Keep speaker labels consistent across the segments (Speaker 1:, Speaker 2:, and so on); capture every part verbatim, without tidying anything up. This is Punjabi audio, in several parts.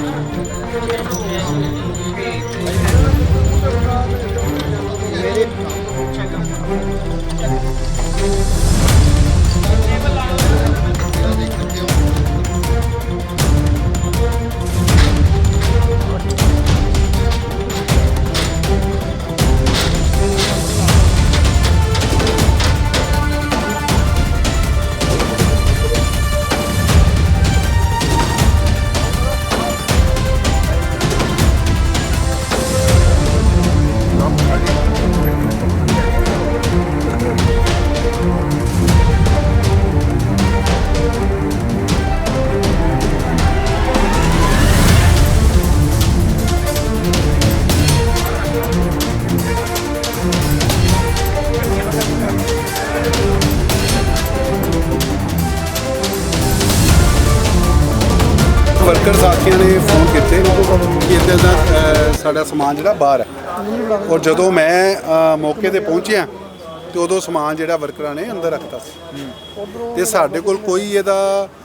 Speaker 1: वर्कर साथियों ने फोन किए कि इधर का साड़ा समान जो बाहर है और जदों मैं मौके पर पहुँचा तो उदों समान जो वर्करां ने अंदर रखता तो साढ़े कोल कोई इहदा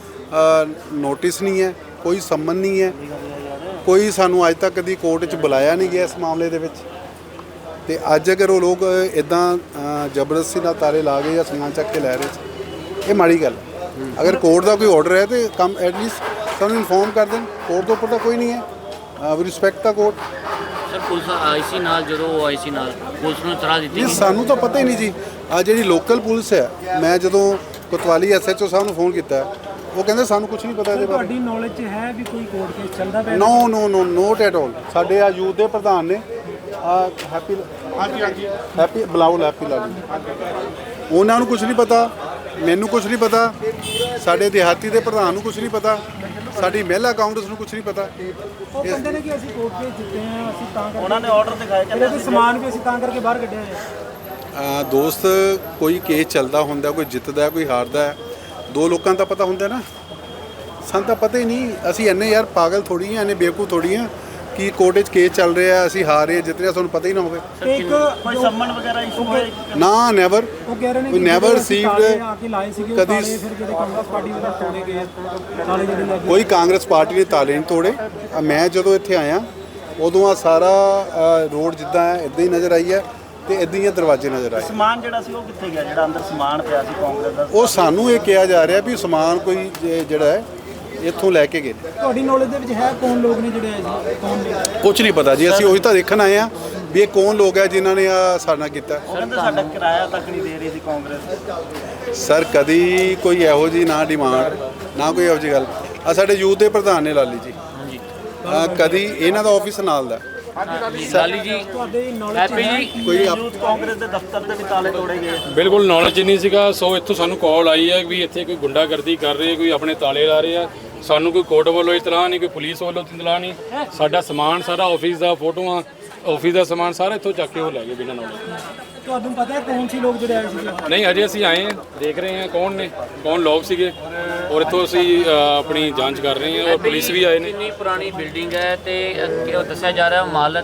Speaker 1: नोटिस नहीं है, कोई सम्मन नहीं है, कोई सानू अज तक कभी कोर्ट च बुलाया नहीं गया इस मामले दे विच। ते अज अगर वो लोग इदां जबरदस्ती नाल ताले ला गए या समान चक के लै रहे ये माड़ी गल है। अगर कोर्ट का कोई ऑर्डर है तो कम एटलीस्ट सानू इनफॉर्म कर दें। कोर्ट के उपर तो कोई नहीं है, we respect the court.
Speaker 2: Sir police आई सी नाल जो आई सी नाल पुलिस ने इतला दी
Speaker 1: नहीं, सानू तो पता ही नहीं जी। आ जी लोकल पुलिस है, मैं जो कोतवाली एस एच ओ साहब फोन किया वो कहते सानू कुछ नहीं पता।
Speaker 3: नॉलेज है भी कोई कोर्ट केस चलदा पिया?
Speaker 1: No no no not at all. साडे आ यूथ के प्रधान ने हैप्पी हैप्पी बलाउल हैप्पी लाली उन्होंने कुछ नहीं पता, मैनू कुछ नहीं पता, साडे देहाती के प्रधान नूं कुछ नहीं पता, साडी महिला काउंटस नूं कुछ नहीं पता।
Speaker 3: वो कहते हैं कि ਅਸੀਂ ਕੋਰਟ केस जिते हैं, ਅਸੀਂ ਤਾਂ ਕਰਕੇ ਉਹਨਾਂ ਨੇ ਆਰਡਰ ਦਿਖਾਏ ਕਿ ਸਮਾਨ ਵੀ ਅਸੀਂ ਤਾਂ ਕਰਕੇ ਬਾਹਰ ਕੱਢਿਆ ਹੈ।
Speaker 1: ਦੋਸਤ ਕੋਈ ਕੇਸ ਚੱਲਦਾ ਹੁੰਦਾ, ਕੋਈ ਜਿੱਤਦਾ ਕੋਈ ਹਾਰਦਾ ਹੈ, ਦੋ ਲੋਕਾਂ ਦਾ ਪਤਾ ਹੁੰਦਾ ਨਾ, ਸਾਨੂੰ ਤਾਂ ਪਤਾ ਹੀ ਨਹੀਂ। ਅਸੀਂ ਇੰਨੇ ਯਾਰ ਪਾਗਲ ਥੋੜੀ ਆ, ਇੰਨੇ ਬੇਵਕੂਫ ਥੋੜੀ ਆ ਕਿ ਕੋਰਟ 'ਚ ਕੇਸ ਚੱਲ ਰਿਹਾ, ਅਸੀਂ ਹਾਰ ਰਹੇ ਜਿੱਤ ਰਹੇ, ਸਾਨੂੰ ਪਤਾ ਹੀ ਨਾ ਹੋਵੇ।
Speaker 3: ਇੱਕ ਕੋਈ ਸੰਮਨ ਵਗੈਰਾ ਇਸ਼ੂ ਹੋਏ
Speaker 1: ਨਾ ਨੈਵਰ,
Speaker 3: ਉਹ ਕਹਿ ਰਹੇ ਨੇ
Speaker 1: ਕੋਈ ਨੈਵਰ ਰਿਸੀਵਡ ਕਦੀ।
Speaker 3: ਫਿਰ ਜਿਹੜੇ ਕਾਂਗਰਸ ਪਾਰਟੀ ਦੇ ਤੋੜੇ ਗਏ ਤਾਲੇ ਜਿਹੜੇ ਲੱਗੇ,
Speaker 1: ਕੋਈ ਕਾਂਗਰਸ ਪਾਰਟੀ ਨੇ ਤਾਲੇ ਨਹੀਂ ਤੋੜੇ। ਮੈਂ ਜਦੋਂ ਇੱਥੇ ਆਇਆ ਉਦੋਂ ਆ ਸਾਰਾ ਰੋਡ ਜਿੱਦਾਂ ਹੈ ਇੱਦਾਂ ਹੀ ਨਜ਼ਰ ਆਈ ਹੈ ਤੇ ਇੱਦਾਂ ਹੀ ਦਰਵਾਜ਼ੇ ਨਜ਼ਰ ਆਏ।
Speaker 3: ਸਮਾਨ ਜਿਹੜਾ ਸੀ ਉਹ ਕਿੱਥੇ ਗਿਆ, ਜਿਹੜਾ ਅੰਦਰ ਸਮਾਨ ਪਿਆ ਸੀ ਕਾਂਗਰਸ ਦਾ?
Speaker 1: ਉਹ ਸਾਨੂੰ ਇਹ ਕਿਹਾ ਜਾ ਰਿਹਾ ਵੀ ਸਮਾਨ ਕੋਈ ਜਿਹੜਾ ਹੈ ਇੱਥੋਂ ਲੈ ਕੇ ਗਏ।
Speaker 3: ਤੁਹਾਡੀ ਨੌਲੇਜ ਦੇ ਵਿੱਚ ਹੈ ਕੌਣ ਲੋਕ ਨੇ ਜਿਹੜੇ ਆਏ ਸੀ, ਕੌਣ ਨੇ?
Speaker 1: ਕੁਛ ਨਹੀਂ ਪਤਾ ਜੀ, ਅਸੀਂ ਉਹੀ ਤਾਂ ਦੇਖਣ ਆਏ ਆ ਵੀ ਇਹ ਕੌਣ ਲੋਕ ਹੈ ਜਿਨ੍ਹਾਂ ਨੇ ਆ ਸਾਡੇ ਨਾਲ ਕੀਤਾ।
Speaker 3: ਕਹਿੰਦੇ ਸਾਡਾ ਕਿਰਾਇਆ ਤੱਕ ਨਹੀਂ ਦੇ ਰਹੀ ਸੀ ਕਾਂਗਰਸ।
Speaker 1: ਸਰ ਕਦੀ ਕੋਈ ਇਹੋ ਜੀ ਨਾ ਡਿਮਾਂਡ ਨਾ ਕੋਈ ਇਹੋ ਜਿਹੀ ਗੱਲ। ਆ ਸਾਡੇ ਯੂਥ ਦੇ ਪ੍ਰਧਾਨ ਨੇ ਲਾਲੀ ਜੀ, ਕਦੀ ਇਹਨਾਂ ਦਾ ਆਫਿਸ ਨਾਲ ਦਾ
Speaker 2: ਲਾਲੀ ਜੀ
Speaker 3: ਤੁਹਾਡੇ ਨੌਲੇਜ
Speaker 2: ਜੀ
Speaker 1: ਕੋਈ
Speaker 3: ਯੂਥ ਕਾਂਗਰਸ ਦੇ ਦਫ਼ਤਰ ਦੇ ਵੀ ਤਾਲੇ ਤੋੜੇ ਗਏ?
Speaker 4: ਬਿਲਕੁਲ ਨੌਲੇਜ ਨਹੀਂ ਸੀਗਾ। ਸੋ ਇੱਥੋਂ ਸਾਨੂੰ ਕਾਲ ਆਈ ਹੈ ਵੀ ਇੱਥੇ ਕੋਈ ਗੁੰਡਾਗਰਦੀ ਕਰ ਰਹੇ, ਕੋਈ ਆਪਣੇ ਤਾਲੇ ਲਾ ਰਹੇ ਆ। ਸਾਨੂੰ ਕੋਈ ਕੋਰਟ ਵੱਲੋਂ ਇਤਲਾਹ ਨਹੀਂ, ਕੋਈ ਪੁਲਿਸ ਵੱਲੋਂ ਇਤਲਾਹ ਨਹੀਂ। ਸਾਡਾ ਸਮਾਨ ਸਾਰਾ ਆਫਿਸ ਦਾ, ਫੋਟੋਆਂ ਆਫਿਸ ਦਾ ਸਮਾਨ ਸਾਰਾ ਇੱਥੋਂ ਚੱਕ ਕੇ ਉਹ ਲੈ ਗਏ ਬਿਨਾਂ ਨੌਲੇਜ।
Speaker 3: ਤੁਹਾਨੂੰ ਪਤਾ ਹੈ ਕੌਣ ਸੀ ਲੋਕ ਜਿਹੜੇ ਆਏ ਸੀ?
Speaker 4: ਨਹੀਂ ਅਜੇ ਅਸੀਂ ਆਏ ਹਾਂ, ਦੇਖ ਰਹੇ ਹਾਂ ਕੌਣ ਨੇ, ਕੌਣ ਲੋਕ ਸੀਗੇ ਔਰ ਇੱਥੋਂ ਅਸੀਂ ਆਪਣੀ ਜਾਂਚ ਕਰ ਰਹੇ ਹਾਂ ਔਰ ਪੁਲਿਸ ਵੀ ਆਏ ਨੇ।
Speaker 2: ਇੰਨੀ ਪੁਰਾਣੀ ਬਿਲਡਿੰਗ ਹੈ ਤੇ ਉਹ ਦੱਸਿਆ ਜਾ ਰਿਹਾ ਮਾਲਕ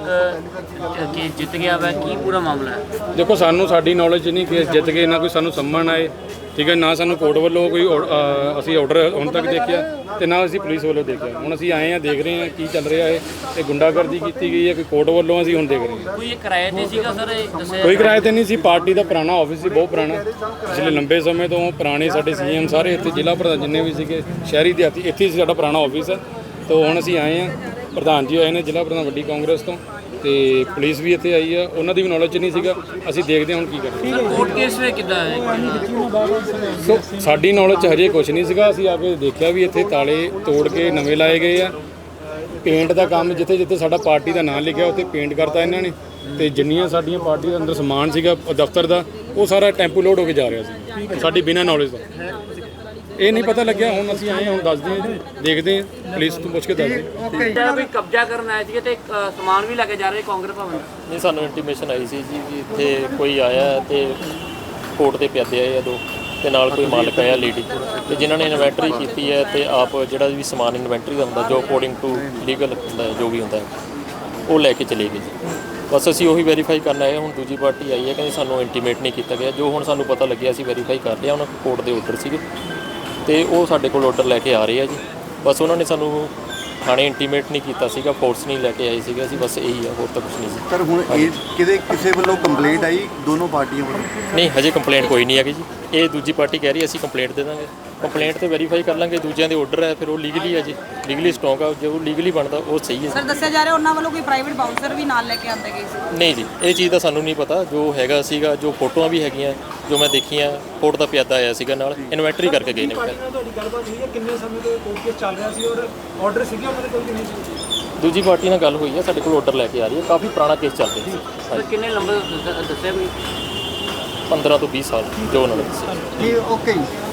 Speaker 2: ਕੀ ਜਿੱਤ ਗਿਆ ਵਾ, ਕੀ ਪੂਰਾ ਮਾਮਲਾ ਹੈ?
Speaker 4: ਦੇਖੋ ਸਾਨੂੰ ਸਾਡੀ ਨੌਲੇਜ ਨਹੀਂ ਕੇਸ ਜਿੱਤ ਗਏ, ਨਾ ਕੋਈ ਸਾਨੂੰ ਸੰਮਣ ਆਏ, ਠੀਕ ਹੈ, ਨਾ ਸਾਨੂੰ ਕੋਰਟ ਵੱਲੋਂ ਕੋਈ ਅਸੀਂ ਆਰਡਰ ਹੁਣ ਤੱਕ ਦੇਖਿਆ ਤੇ ਨਾ ਅਸੀਂ ਪੁਲਿਸ ਵੱਲੋਂ ਦੇਖਿਆ। ਹੁਣ ਅਸੀਂ ਆਏ ਹਾਂ, ਦੇਖ ਰਹੇ ਹਾਂ ਕੀ ਚੱਲ ਰਿਹਾ ਹੈ। ਇਹ ਗੁੰਡਾਗਰਦੀ ਕੀਤੀ ਗਈ ਹੈ ਕੋਈ ਕੋਰਟ ਵੱਲੋਂ, ਅਸੀਂ ਹੁਣ ਦੇਖ ਰਹੇ ਹਾਂ।
Speaker 2: ਕੋਈ ਇਹ ਕਿਰਾਏ ਤੇ ਸੀਗਾ ਸਰ? ਇਹ ਦੱਸਿਆ
Speaker 4: ਕੋਈ ਕਿਰਾਏ ਤੇ ਨਹੀਂ ਸੀ, ਪਾਰਟੀ ਦਾ ਪੁਰਾਣਾ ਆਫਿਸ ਸੀ, ਬਹੁਤ ਪੁਰਾਣਾ, ਪਿਛਲੇ ਲੰਬੇ ਸਮੇਂ ਤੋਂ ਪੁਰਾਣੇ ਸਾਡੇ ਸੀ ਐਮ ਸਾਰੇ ਇੱਥੇ, ਜ਼ਿਲ੍ਹਾ ਪ੍ਰਧਾਨ ਜਿੰਨੇ ਵੀ ਸੀਗੇ ਸ਼ਹਿਰੀ ਦਿਹਾਤੀ ਇੱਥੇ ਸਾਡਾ ਪੁਰਾਣਾ ਆਫਿਸ ਹੈ। ਤਾਂ ਹੁਣ ਅਸੀਂ ਆਏ ਹਾਂ, ਪ੍ਰਧਾਨ ਜੀ ਆਏ ਨੇ ਜ਼ਿਲ੍ਹਾ ਪ੍ਰਧਾਨ ਵੱਡੀ ਕਾਂਗਰਸ ਤੋਂ, ਤੇ ਪੁਲਿਸ ਵੀ ਇੱਥੇ ਆਈ ਆ, ਉਹਨਾਂ ਦੀ ਵੀ ਨੌਲੇਜ ਨਹੀਂ ਸੀਗਾ। ਅਸੀਂ ਦੇਖਦੇ ਹਾਂ ਹੁਣ ਕੀ ਕਰਾਂਗੇ।
Speaker 2: ਸਰ ਕੋਰਟ ਕੇਸ ਵੇ ਕਿੱਦਾਂ ਹੈ?
Speaker 4: ਸੋ ਸਾਡੀ ਨੌਲੇਜ 'ਚ ਹਜੇ ਕੁਝ ਨਹੀਂ ਸੀਗਾ। ਅਸੀਂ ਆ ਕੇ ਦੇਖਿਆ ਵੀ ਇੱਥੇ ਤਾਲੇ ਤੋੜ ਕੇ ਨਵੇਂ ਲਾਏ ਗਏ ਆ। ਪੇਂਟ ਦਾ ਕੰਮ ਜਿੱਥੇ ਜਿੱਥੇ ਸਾਡਾ ਪਾਰਟੀ ਦਾ ਨਾਮ ਲਿਖਿਆ ਉੱਥੇ ਪੇਂਟ ਕਰਤਾ ਇਹਨਾਂ ਨੇ, ਤੇ ਜਿੰਨੀਆਂ ਸਾਡੀਆਂ ਪਾਰਟੀ ਦੇ ਅੰਦਰ ਸਮਾਨ ਸੀਗਾ ਦਫ਼ਤਰ ਦਾ ਉਹ ਸਾਰਾ ਟੈਂਪੂ ਲੋਡ ਹੋ ਕੇ ਜਾ ਰਿਹਾ ਸੀ ਸਾਡੀ ਬਿਨਾਂ ਨੌਲੇਜ ਦਾ। ਇਹ ਨਹੀਂ ਪਤਾ ਲੱਗਿਆ, ਹੁਣ ਅਸੀਂ ਆਏ ਹੁਣ ਦੱਸਦੇ ਹਾਂ, ਦੇਖਦੇ ਹਾਂ, ਪੁਲਿਸ ਤੋਂ ਪੁੱਛ ਕੇ ਦੱਸਦੇ
Speaker 2: ਹਾਂ। ਕੋਈ ਕਬਜ਼ਾ ਕਰਨ ਆਏ ਸੀਗੇ ਤੇ ਸਮਾਨ ਵੀ ਲੈ ਕੇ ਜਾ ਰਹੇ ਕਾਂਗਰਸ ਭਵਨ?
Speaker 5: ਨਹੀਂ, ਸਾਨੂੰ ਇੰਟੀਮੇਸ਼ਨ ਆਈ ਸੀ ਜੀ ਵੀ ਇੱਥੇ ਕੋਈ ਆਇਆ ਤੇ ਕੋਰਟ ਦੇ ਪਿਆਦੇ ਆਏ ਆ ਦੋ, ਤੇ ਨਾਲ ਕੋਈ ਮਾਲਕ ਆਇਆ ਲੇਡੀ, ਤੇ ਜਿਨ੍ਹਾਂ ਨੇ ਇਨਵੈਂਟਰੀ ਕੀਤੀ ਹੈ ਤੇ ਆਪ ਜਿਹੜਾ ਵੀ ਸਮਾਨ ਇਨਵੈਂਟਰੀ ਦਾ ਹੁੰਦਾ ਜੋ ਅਕੋਰਡਿੰਗ ਟੂ ਲੀਗਲ ਹੁੰਦਾ ਜੋ ਵੀ ਹੁੰਦਾ ਉਹ ਲੈ ਕੇ ਚਲੇ ਗਏ ਜੀ। ਬਸ ਅਸੀਂ ਉਹੀ ਵੈਰੀਫਾਈ ਕਰਨ ਆਏ। ਹੁਣ ਦੂਜੀ ਪਾਰਟੀ ਆਈ ਹੈ, ਕਹਿੰਦੇ ਸਾਨੂੰ ਇੰਟੀਮੇਟ ਨਹੀਂ ਕੀਤਾ ਗਿਆ। ਜੋ ਹੁਣ ਸਾਨੂੰ ਪਤਾ ਲੱਗਿਆ ਅਸੀਂ ਵੈਰੀਫਾਈ ਕਰ ਲਿਆ, ਉਹਨਾਂ ਕੋਰਟ ਦੇ ਆਰਡਰ ਸੀਗੇ ਤੇ ਉਹ ਸਾਡੇ ਕੋਲ ਆਰਡਰ ਲੈ ਕੇ ਆ ਰਹੇ ਆ ਜੀ। ਬਸ ਉਹਨਾਂ ਨੇ ਸਾਨੂੰ ਥਾਣੇ ਇੰਟੀਮੇਟ ਨਹੀਂ ਕੀਤਾ ਸੀਗਾ, ਫੋਰਸ ਨਹੀਂ ਲੈ ਕੇ ਆਏ ਸੀਗੇ ਅਸੀਂ, ਬਸ ਇਹੀ ਆ, ਹੋਰ ਤਾਂ ਕੁਝ ਨਹੀਂ ਸੀ।
Speaker 6: ਸਰ ਹੁਣ ਇਹ ਕਿਤੇ ਕਿਸੇ ਵੱਲੋਂ ਕੰਪਲੇਂਟ ਆਈ ਦੋਨੋਂ ਪਾਰਟੀਆਂ ਵੱਲੋਂ?
Speaker 5: ਨਹੀਂ, ਹਜੇ ਕੰਪਲੇਂਟ ਕੋਈ ਨਹੀਂ ਹੈਗੀ ਜੀ। ਇਹ ਦੂਜੀ ਪਾਰਟੀ ਕਹਿ ਰਹੀ ਅਸੀਂ ਕੰਪਲੇਂਟ ਦੇ ਦਾਂਗੇ, ਕੰਪਲੇਂਟ ਤੇ ਵੈਰੀਫਾਈ ਕਰ ਲਾਂਗੇ, ਦੂਜਿਆਂ ਦੇ ਆਰਡਰ ਹੈ ਫਿਰ ਉਹ ਲੀਗਲੀ ਹੈ ਜੀ, ਲੀਗਲੀ ਸਟਰੋਂਗ ਆ, ਜੋ ਲੀਗਲੀ ਬਣਦਾ ਉਹ ਸਹੀ ਹੈ।
Speaker 7: ਸਰ ਦੱਸਿਆ ਜਾ ਰਿਹਾ ਉਹਨਾਂ ਵੱਲੋਂ ਕੋਈ ਪ੍ਰਾਈਵੇਟ ਬਾਉਂਸਰ ਵੀ ਨਾਲ ਲੈ ਕੇ ਆਂਦੇ ਗਏ ਸੀ?
Speaker 5: ਨਹੀਂ ਜੀ, ਇਹ ਚੀਜ਼ ਦਾ ਸਾਨੂੰ ਨਹੀਂ ਪਤਾ, ਜੋ ਹੈਗਾ ਸੀਗਾ, ਜੋ ਫੋਟੋਆਂ ਵੀ ਹੈਗੀਆਂ ਜੋ ਮੈਂ ਦੇਖੀਆਂ, ਕੋਰਟ ਦਾ ਪਿਆਦਾ ਆਇਆ ਸੀਗਾ ਨਾਲ, ਇਨਵੈਂਟਰੀ ਕਰਕੇ ਗਏ ਨੇ।
Speaker 3: ਪਾਰਟੀ ਨਾਲ ਤੁਹਾਡੀ ਗੱਲਬਾਤ ਹੋਈ ਹੈ? ਕਿੰਨੇ ਸਮੇਂ ਤੋਂ ਕੋਰਟ ਕੇਸ ਚੱਲ ਰਿਹਾ ਸੀ ਔਰ ਆਰਡਰ ਸੀਗੇ ਉਹਨਾਂ ਦੇ ਕੋਲ ਕਿ ਨਹੀਂ ਸੀ?
Speaker 5: ਦੂਜੀ ਪਾਰਟੀ ਨਾਲ ਗੱਲ ਹੋਈ ਹੈ, ਸਾਡੇ ਕੋਲ ਆਰਡਰ ਲੈ ਕੇ ਆ ਰਹੀ ਹੈ, ਕਾਫੀ ਪੁਰਾਣਾ ਕੇਸ ਚੱਲ ਰਿਹਾ ਸੀ।
Speaker 2: ਸਰ ਕਿੰਨੇ ਲੰਬੇ ਦੱਸਿਆ ਵੀ
Speaker 5: ਪੰਦਰਾਂ ਤੋਂ ਵੀਹ ਸਾਲ ਜੋ ਉਹਨਾਂ ਨੇ ਦੱਸਿਆ।
Speaker 6: ਜੀ ਓਕੇ ਜੀ।